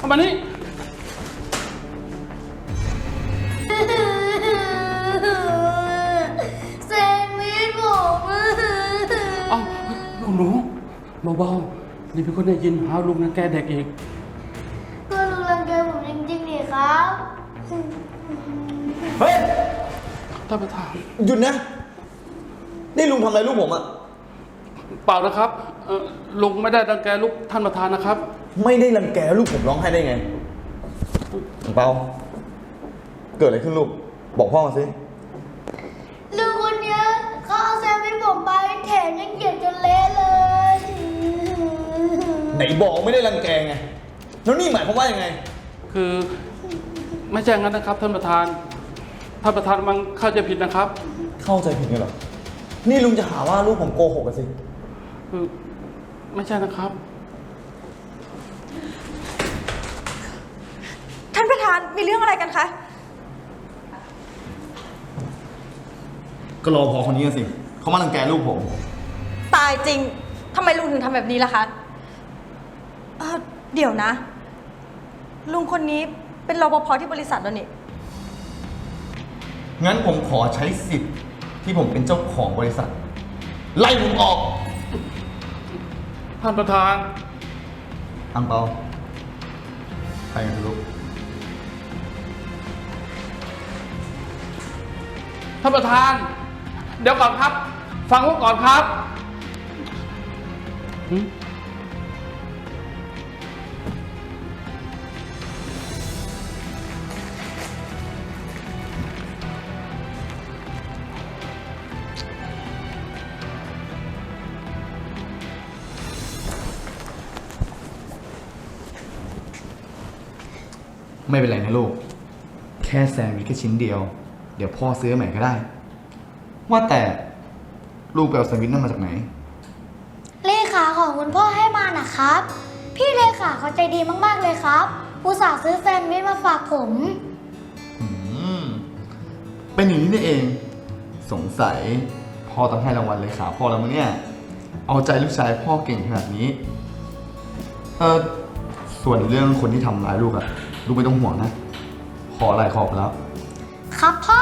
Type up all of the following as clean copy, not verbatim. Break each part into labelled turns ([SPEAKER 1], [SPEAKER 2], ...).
[SPEAKER 1] เข้ามานี่
[SPEAKER 2] แซนด์วิชผม
[SPEAKER 1] เอ้าคุณหนูเบาๆนี่พี่คนได้ยินหาลุงนะแกเด็กอีก
[SPEAKER 2] ก็ลุงรังแกผมจริงๆนี่ครับ
[SPEAKER 3] เฮ้ย
[SPEAKER 1] ท่านประธาน
[SPEAKER 3] หยุดนะนี่ลุงทำอะไรลูกผมอะ
[SPEAKER 1] เปล่านะครับลุงไม่ได้รังแกลูกท่านประธานนะครับ
[SPEAKER 3] ไม่ได้รังแกลูกผมร้องไห้ได้ไงเปาเกิดอะไรขึ้นลูกบอกพ่อมาสิ
[SPEAKER 2] ลุงคนนี้เขาเอาแซนด์วิชผมไปแถมยังเหยียบจนเละเลย
[SPEAKER 3] ไหนบอกไม่ได้รังแกไงแล้วนี่หมายความว่ายังไง
[SPEAKER 1] คือไม่ใช่งั้นนะครับท่านประธานมันเข้าใจผิดนะครับ
[SPEAKER 3] เข้าใจผิดกันเหรอนี่ลุงจะหาว่าลูกผมโกหกกันสิ
[SPEAKER 1] คือไม่ใช่นะครับ
[SPEAKER 4] ท่านประธานมีเรื่องอะไรกันคะ
[SPEAKER 3] ก็รอพอคนนี้กันสิเขามารังแกลูกผม
[SPEAKER 4] ตายจริงทำไมลุงถึงทำแบบนี้ล่ะคะเดี๋ยวนะลุงคนนี้เป็นรปภที่บริษัทแล้วนี่
[SPEAKER 3] งั้นผมขอใช้สิทธิ์ที่ผมเป็นเจ้าของบริษัทไล่ผมออก
[SPEAKER 1] ท่านประธาน
[SPEAKER 3] อังเปาไปกันลูก
[SPEAKER 1] ท่านประธานเดี๋ยวก่อนครับฟังผมก่อนครับ
[SPEAKER 3] ไม่เป็นไรนะลูกแค่แซนด์วิชแค่ชิ้นเดียวเดี๋ยวพ่อซื้อใหม่ก็ได้ว่าแต่ลูกไปเอาแซนด์วิชนั่นมาจากไหน
[SPEAKER 2] เลขาของคุณพ่อให้มานะครับพี่เลขาเขาใจดีมากๆเลยครับอุตส่าห์ซื้อแซนด์วิชมาฝากผม
[SPEAKER 3] เป็นอย่างนี้นี่เองสงสัยพ่อต้องให้รางวัลเลขาพ่อแล้วมั้งเนี่ยเอาใจลูกชายพ่อเก่งขนาดนี้ส่วนเรื่องคนที่ทำร้ายลูกอะลูกไม่ต้องห่วงนะขออะไรขอบแล้ว
[SPEAKER 2] ครับพ่อ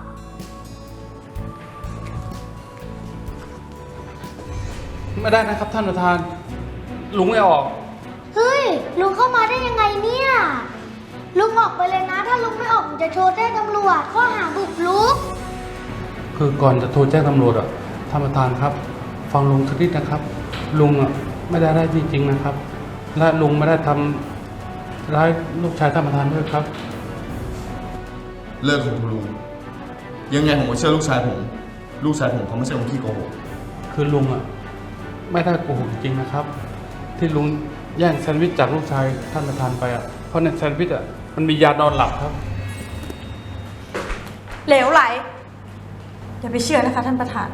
[SPEAKER 1] ไม่ได้นะครับท่านประธานลุงไม่ออก
[SPEAKER 2] เฮ้ยลุงเข้ามาได้ยังไงเนี่ยลุงออกไปเลยนะถ้าลุงไม่ออกผมจะโทรแจ้งตำรวจข้อหาบุกรุก
[SPEAKER 1] คือก่อนจะโทรแจ้งตำรวจอ่ะท่านประธานครับฟังลุงสักนิดนะครับลุงอ่ะไม่ได้จริงๆนะครับและลุงไม่ได้ทำร้ายลูกชายท่านประธานด้วยครับ
[SPEAKER 3] เลิกของลุงยังไงผมก็เชื่อลูกชายผมเขาไม่ใช่คนขี้โกหก
[SPEAKER 1] คือลุงอ่ะไม่ได้โกหกจริงนะครับที่ลุงแย่งแซนด์วิชจากลูกชายท่านประธานไปอ่ะเพราะในแซนด์วิชอ่ะมันมียานอนหลับครับ
[SPEAKER 4] เหลวไหลอย่าไปเชื่อนะคะท่านประธาน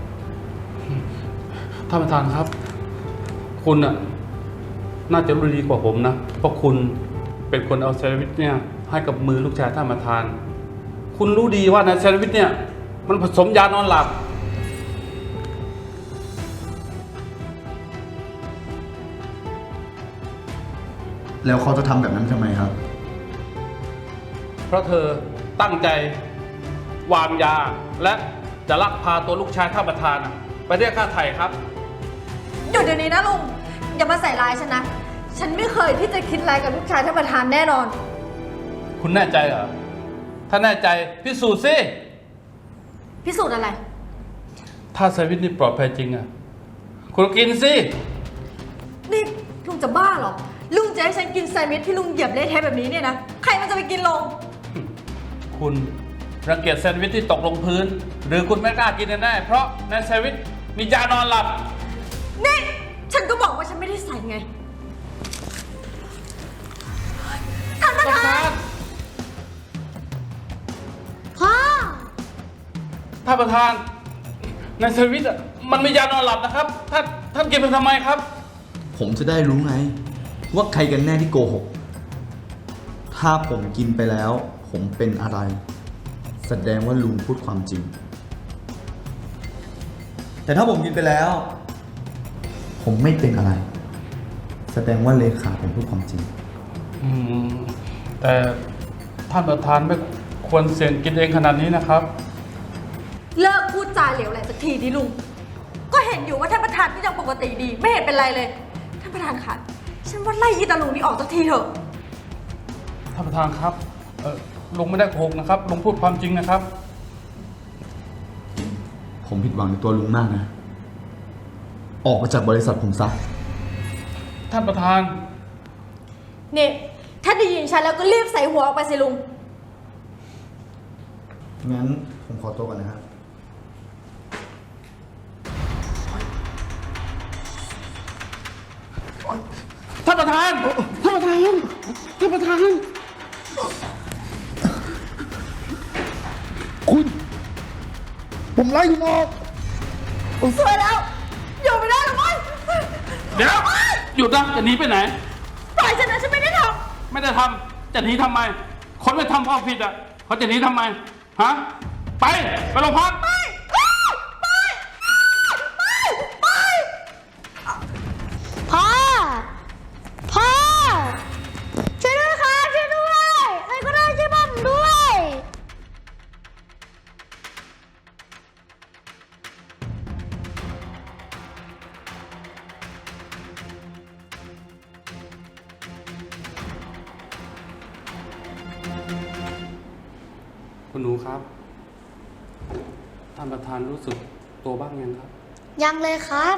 [SPEAKER 1] ท่านประธานครับคุณอ่ะน่าจะรู้ดีกว่าผมนะเพราะคุณเป็นคนเอาแซนด์วิชเนี่ยให้กับมือลูกชายท่านประธานคุณรู้ดีว่าในแซนด์วิชเนี่ยมันผสมยานอนหลับ
[SPEAKER 3] แล้วเขาจะทำแบบนั้นทำไมครับ
[SPEAKER 1] เพราะเธอตั้งใจวางยาและจะลักพาตัวลูกชายท่านประธานไปเรียกค่าไถ่ครับ
[SPEAKER 4] หยุดเดี๋ยวนี้นะลุงอย่ามาใส่ร้ายฉันนะฉันไม่เคยที่จะคิดร้ายกับลูกชายท่านประธานแน่นอน
[SPEAKER 1] คุณแน่ใจเหรอถ้าแน่ใจพิสูจน์สิ
[SPEAKER 4] พิสูจน์อะไร
[SPEAKER 1] ถ้าแซนด์วิชนี่ปลอดภัยจริงอ่ะคุณกินสิ
[SPEAKER 4] นี่ลุงจะบ้าเหรอลุงจะให้ฉันกินแซนด์วิชที่ลุงเหยียบเละเทะแบบนี้เนี่ยนะใครมันจะไปกินลง
[SPEAKER 1] คุณรังเกียจแซนด์วิชที่ตกลงพื้นหรือคุณไม่กล้ากินแน่เพราะในแซนด์วิชมียานอนหลับ
[SPEAKER 4] นี่ฉันก็บอกว่าฉันไม่ได้ใส่ไงท่านประธาน
[SPEAKER 2] พ่อ
[SPEAKER 1] ท่านประธานในแซนด์วิชอ่ะมันมียานอนหลับนะครับท่านกินไปทำไมครับ
[SPEAKER 3] ผมจะได้รู้ไงว่าใครกันแน่ที่โกหกถ้าผมกินไปแล้วผมเป็นอะไรแสดงว่าลุงพูดความจริงแต่ถ้าผมกินไปแล้วผมไม่เป็นอะไรแสดงว่าเลขาผมพูดความจริง
[SPEAKER 1] อืมแต่ท่านประธานไม่ควรเสี่ยงกินเองขนาดนี้นะครับ
[SPEAKER 4] เลิกพูดจาเหลวไหลสักทีดิลุง ก็เห็นอยู่ว่าท่านประธานก็ยังปกติดี ไม่เห็นเป็นไรเลย ท่านประธานคะฉันว่าไล่อีตาลุงนี่ออกสักทีเถอะ
[SPEAKER 1] ท่านประธานครับลุงไม่ได้โกหกนะครับลุงพูดความจริงนะครับ
[SPEAKER 3] ผมผิดหวังในตัวลุงมากนะ ออกมาจากบริษัทผมซะ
[SPEAKER 1] ท่านประธาน
[SPEAKER 4] นี่ ถ้าได้ยินฉันแล้วก็รีบใส่หัวออกไปสิลุง
[SPEAKER 3] งั้นผมขอตัวก่อนนะครับ
[SPEAKER 1] ท่านประธาน ท่านประธาน ท่านประธาน
[SPEAKER 3] คุณ ผมไล่คุณออก
[SPEAKER 4] สวยแล้ว อยู่ไม่ได้หรอกมั้ย
[SPEAKER 1] เดี๋ยวหยุดนะจะหนีไปไหน
[SPEAKER 4] ปล่อยฉันนะฉันไม่ได้ท
[SPEAKER 1] ไม่ได้ทำจะหนีทำไม คนไม่ทำความผิดอ่ะเขาจะหนีทำไม ฮะ ไปโรงพัก
[SPEAKER 2] พ่อ พ่อ ช่วยด้วยค่ะช่วยด้วยใครก็ได้ช่วยผมด้วย
[SPEAKER 1] คุณหนูครับ ท่านประธานรู้สึกตัวบ้างยังครับ
[SPEAKER 2] ยังเลยครับ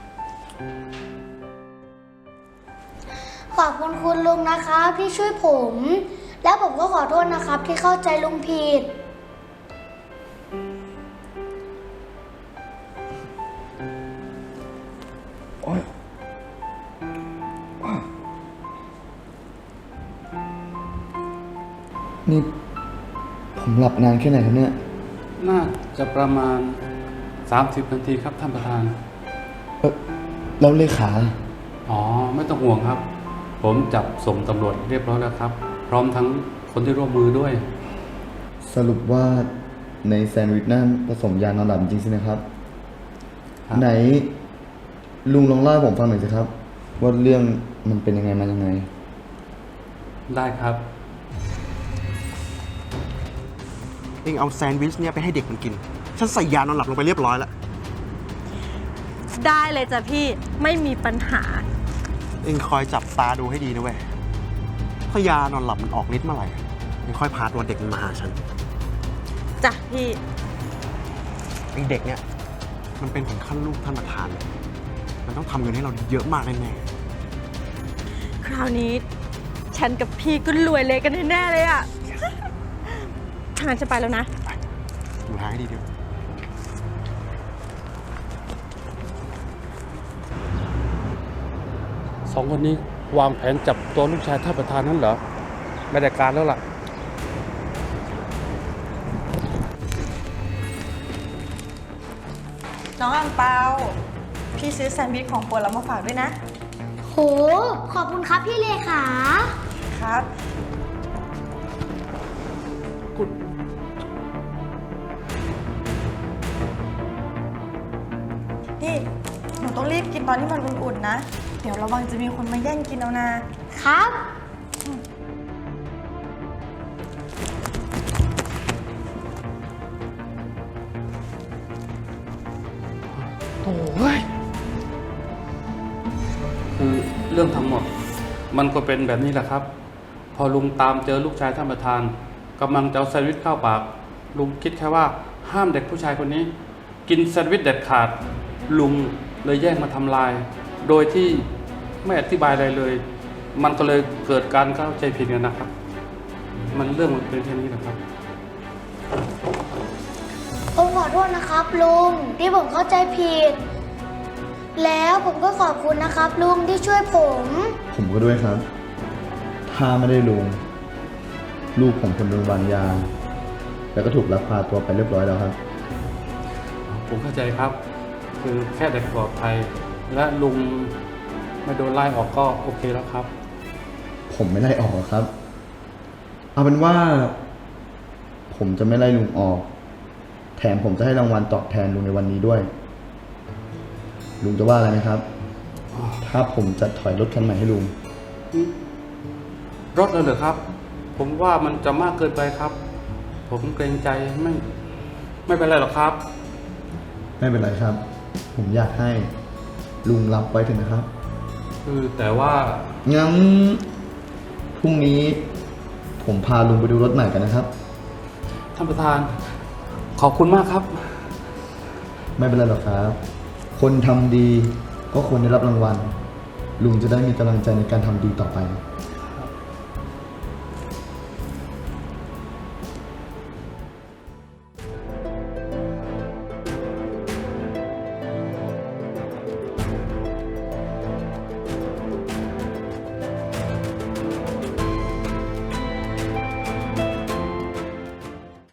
[SPEAKER 2] ขอบคุณคุณลุงนะครับที่ช่วยผม แล้วผมก็ขอโทษนะครับที่เข้าใจลุงผิด
[SPEAKER 3] นี่ผมหลับนานแค่ไหนครับเนี่ย
[SPEAKER 1] น่าจะประมาณ 30 นาทีครับท่านประธาน
[SPEAKER 3] แล้วเลขา
[SPEAKER 1] อ๋อ ไม่ต้องห่วงครับ ผมจับส่งตำรวจเรียบร้อยแล้วครับ พร้อมทั้งคนที่ร่วมมือด้วย
[SPEAKER 3] สรุปว่าในแซนด์วิชนั่นผสมยานอนหลับจริงใช่ไหมครับ
[SPEAKER 1] ครับ
[SPEAKER 3] ไหน ลุงลองเล่าให้ผมฟังหน่อยสิครับ ว่าเรื่องมันเป็นยังไงมายังไง
[SPEAKER 1] ได้ครับ
[SPEAKER 5] เองเอาแซนด์วิชเนี่ยไปให้เด็กมันกิน ฉันใส่ยานอนหลับลงไปเรียบร้อยแล้ว
[SPEAKER 4] ำได้เลยจ้ะพี่ ไม่มีปัญหา
[SPEAKER 5] เองคอยจับตาดูให้ดีนะเว้ย ถ้ายานอนหลับมันออกฤทธิ์เมื่อไหร่เองค่อยพาตัวเด็กมันมาหาฉัน
[SPEAKER 4] จ้ะพี่
[SPEAKER 5] ไอเด็กเนี่ย มันเป็นถึงขั้นลูกท่านประธานเลยมันต้องทำเงินให้เราเยอะมากแน่
[SPEAKER 4] คราวนี้ ฉันกับพี่ก็รวยเลยกันแน่ๆเลยอะทางนั้นจะไปแล้วนะ
[SPEAKER 5] ๆดูทางให้ดีด้วย
[SPEAKER 1] สองคนนี้วางแผนจับตัวลูกชายท่านประธานนั่นเหรอ ไม่ได้การแล้วล่ะ
[SPEAKER 4] น้องอังเปา พี่ซื้อแซนด์วิชของโปรดเรามาฝากด้วยนะ
[SPEAKER 2] โห ขอบคุณครับพี่เลขา
[SPEAKER 4] ครับ นี่ หนูต้องรีบกินตอนที่มันอุ่นๆนะ เดี๋ยวระวังจะมีคนมาแย่งกินเอานะ
[SPEAKER 2] ครับ
[SPEAKER 1] โอ้ยคือเรื่องทั้งหมด มันก็เป็นแบบนี้แหละครับ พอลุงตามเจอลูกชายท่านประธานกำลังจะเอาแซนด์วิชเข้าปาก ลุงคิดแค่ว่าห้ามเด็กผู้ชายคนนี้ กินแซนด์วิชเด็ดขาด ลุงเลยแย่งมาทำลาย โดยที่ไม่อธิบายอะไรเลย มันก็เลยเกิดการเข้าใจผิดกันนะครับ มันเรื่องมันเป็นแค่นี้แหละครับ
[SPEAKER 2] ผมขอโทษนะครับลุงที่ผมเข้าใจผิด แล้วผมก็ขอบคุณนะครับลุงที่ช่วยผม
[SPEAKER 3] ผมก็ด้วยครับ ถ้าไม่ได้ลุง ลูกผมคนโดนวางยา แล้วก็ถูกลักพาตัวไปเรียบร้อยแล้วครับ
[SPEAKER 1] ผมเข้าใจครับ คือแค่เด็กปลอดภัย และลุงไม่โดนไล่ออกก็โอเคแล้วครับ
[SPEAKER 3] ผมไม่ไล่ออกหรอกครับ เอาเป็นว่า ผมจะไม่ไล่ลุงออก แถมผมจะให้รางวัลตอบแทนลุงในวันนี้ด้วย ลุงจะว่าอะไรไหมครับ ถ้าผมจะถอยรถคันใหม่ให้ลุง
[SPEAKER 1] รถเลยเหรอครับ ผมว่ามันจะมากเกินไปครับ ผมเกรงใจไม่เป็นไรหรอกครับ
[SPEAKER 3] ไม่เป็นไรครับ ผมอยากให้ลุงรับไว้เถอะนะครับ
[SPEAKER 1] คือแต่ว่า
[SPEAKER 3] งั้นพรุ่งนี้ ผมพาลุงไปดูรถใหม่กันนะครับ
[SPEAKER 1] ท่านประธาน ขอบคุณมากครับ
[SPEAKER 3] ไม่เป็นไรหรอกครับ คนทำดีก็ควรได้รับรางวัล ลุงจะได้มีกำลังใจในการทำดีต่อไป